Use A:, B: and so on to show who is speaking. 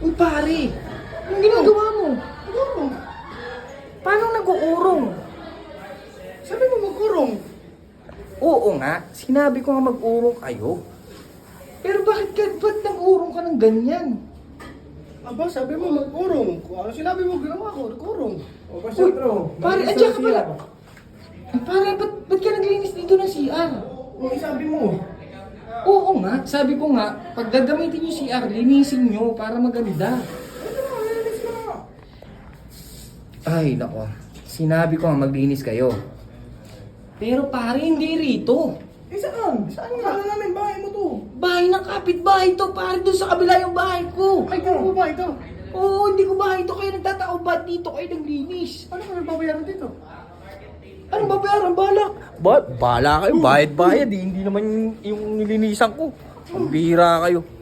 A: Uy pare, yung ginagawa mo?
B: Urong.
A: Paano nag-uurong?
B: Sabi mo mag-urong.
A: Oo nga, sinabi ko nga mag-urong kayo. Pero ba't nag-urong ka ng ganyan?
B: Aba, sabi mo mag-urong. Kung ano sinabi mo, ginawa ko, nag-urong.
C: O, pasyon bro.
A: Pare, andyan ka pala. Ay, pare, ba't ka naglinis dito ng CR?
C: O, sabi mo.
A: Oo nga, sabi ko nga, pag gagamitin yung CR, linisin nyo para maganda. Ay, nako. Sinabi ko nga maglinis kayo. Pero pare, hindi rito.
C: Eh, saan? Saan nga? Ano namin, bahay mo to?
A: Bahay ng kapitbahay to, pare, doon sa kabila yung bahay ko.
B: Ay, kung mo ba ito?
A: Oo, hindi ko bahay to, kayo nagtatao, ba't dito kayo naglinis?
B: Ano ka nagbabayaran dito?
A: Anong babayaran? Balak? Bala kayo, bayad-bayad, hindi naman yung nilinisan ko. Ang bihira kayo.